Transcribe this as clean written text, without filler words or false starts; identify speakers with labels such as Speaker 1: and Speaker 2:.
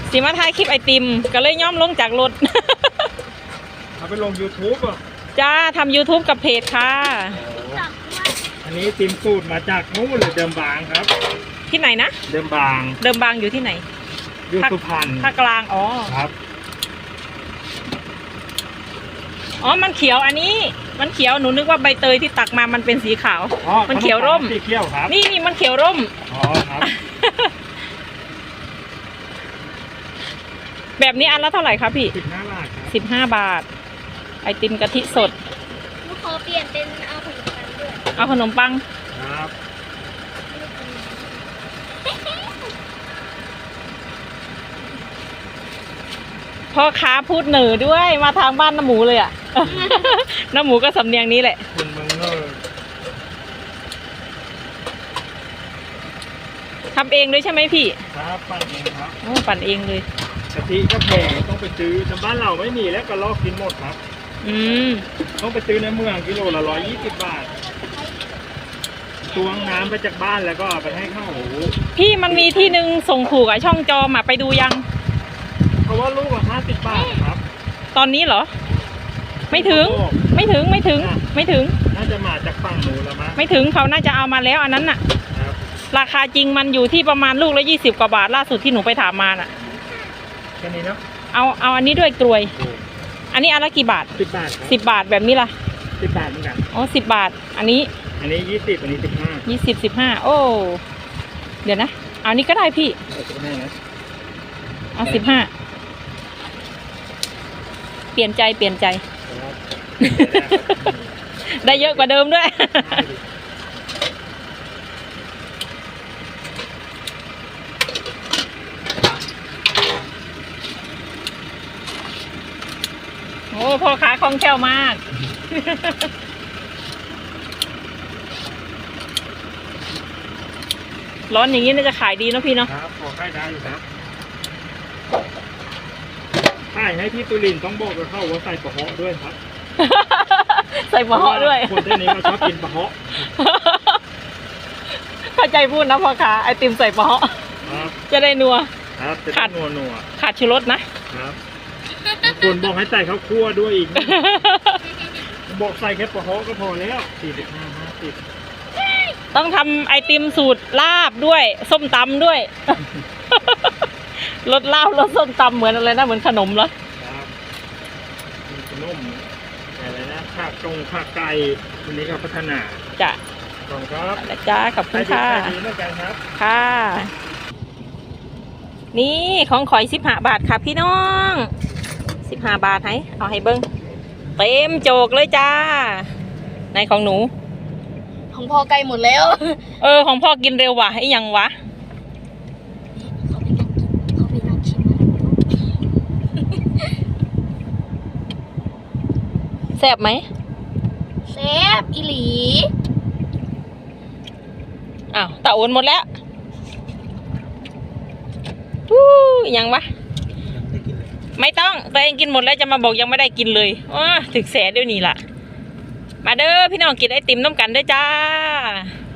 Speaker 1: สิมาถ่ายคลิปไอติมก็เลยย่อมลงจากรถ
Speaker 2: เอาไปลง YouTube อ่ะ
Speaker 1: จ้าทำ YouTube กับเพจค่ะ
Speaker 2: อันนี้ติมสูตรมาจากนู้นเลยเดิมบางครับ
Speaker 1: ที่ไหนนะ
Speaker 2: เดิมบาง
Speaker 1: อยู่ที่ไหน
Speaker 2: อยู่สุพรรณ
Speaker 1: ภาคกลางอ๋อ
Speaker 2: ครับ
Speaker 1: มันเขียวอันนี้มันเขียวหนูนึกว่าใบเตยที่ตักมามันเป็นสีขาวมันเขียวร่ม
Speaker 2: สีเขียวครับ
Speaker 1: นี่มันเขียวร่ม
Speaker 2: อ๋อครับ
Speaker 1: แบบนี้อันละเท่าไหร่ครับพี่
Speaker 2: 15 บาทครับ
Speaker 1: 15 บาทไอติมกะทิสด
Speaker 3: ลูกขอเปลี่ยนเป็นเอาขนมปังด้วย
Speaker 1: เอาขนมปัง
Speaker 2: ครับ
Speaker 1: พ่อค้าพูดเหนือด้วยมาทางบ้านน้ำหมูเลยอ่ะ น้ำหมูก็สำเนียงนี้แหละ
Speaker 2: คุณเมือง
Speaker 1: ทำเองเลยใช่ไหมพี่
Speaker 2: ครับปั่นเองครับ
Speaker 1: ปั่นเองเลย
Speaker 2: กะทิก็แพงต้องไปซื้อแต่บ้านเราไม่มีแล้วก็ลอกกินหมดครับต้องไปซื้อในเมืองกิโลละ120 บาทตวงน้ำไปจากบ้านแล้วก็ไปให้ข้าวหู
Speaker 1: พี่มันมีที่นึงส่งถูกช่องจอมาไปดูยัง
Speaker 2: เพราะว่าลูกละ50 บาทครับ
Speaker 1: ตอนนี้เหรอไม่ถึง
Speaker 2: น่าจะมาจากฝั่งนู้นแล้วมั้ง
Speaker 1: ไม่ถึงเขาน่าจะเอามาแล้วอันนั้นน่ะราคาจริงมันอยู่ที่ประมาณลูกละ20 กว่าบาทล่าสุดที่หนูไปถามมาน่ะ
Speaker 2: แค่นี้เนาะ
Speaker 1: เอาอันนี้ด้วยกลวยอันนี้อันละกี่บาท
Speaker 2: 10 บาท
Speaker 1: 10 บาทแบบนี้ล่ะ
Speaker 2: 10 บาทเหมือนกัน
Speaker 1: 10 บาทอันนี้
Speaker 2: 20อันนี้
Speaker 1: 15โอ้เดี๋ยวนะเอานี้ก็ได้พี่เอา15เปลี่ยนใจได้เยอะกว่าเดิมด้วยโอ้พ่อค้าคล่องแคล่วมากร้อนอย่างนี้น่าจะขายดีเนาะพี่เนาะ
Speaker 2: ครับพอขายได้อยู่ครับขายให้พี่ตุลินต้องบอกกับเขาว่าใส่ปะเหาะด้วยครับ
Speaker 1: ใส่ปะเหาะด้วย
Speaker 2: คนที่นี้เขาชอบกินปะเหาะ
Speaker 1: เข้าใจพูดนะพ่อค้าไอติมใส่ปะเหาะจะได้นัว
Speaker 2: ครับจะได้นัว
Speaker 1: ขาดชูรสนะครับ
Speaker 2: คนบอกให้ใส่ข้าวคั่วด้วยอีกบอกใส่แค่ปะเหาะก็พอแล้ว45-50
Speaker 1: ต้องทำไอติมสูตรลาบด้วยส้มตำด้วยรสลาบรสส้มตำเหมือนอะไรนะเหมือนขนมเหรอ
Speaker 2: ครับขนมอะไรนะผักไก่วันนี้ก็พัฒนา
Speaker 1: จ้ะ
Speaker 2: ขอบคุณครับ
Speaker 1: จ้าขอบคุณค่ะค่ะนี่ของข่อย15 บาทค่ะพี่น้อง15 บาทให้เอาให้เบิ้งเต็มโจกเลยจ้าในของหนู
Speaker 3: ของพ่อไกลหมดแล้ว
Speaker 1: ของพ่อกินเร็วว่ะไอ้ยังวะแซ่บไหม
Speaker 3: แซ่บอีหลี
Speaker 1: ตะโอนหมดแล้วยังวะไม่ต้องตัวเองกินหมดแล้วจะมาบอกยังไม่ได้กินเลยถึงแสนเดี๋ยวนี้ล่ะมาเด้อพี่น้องกินไอติมน้ำกันด้วยจ้า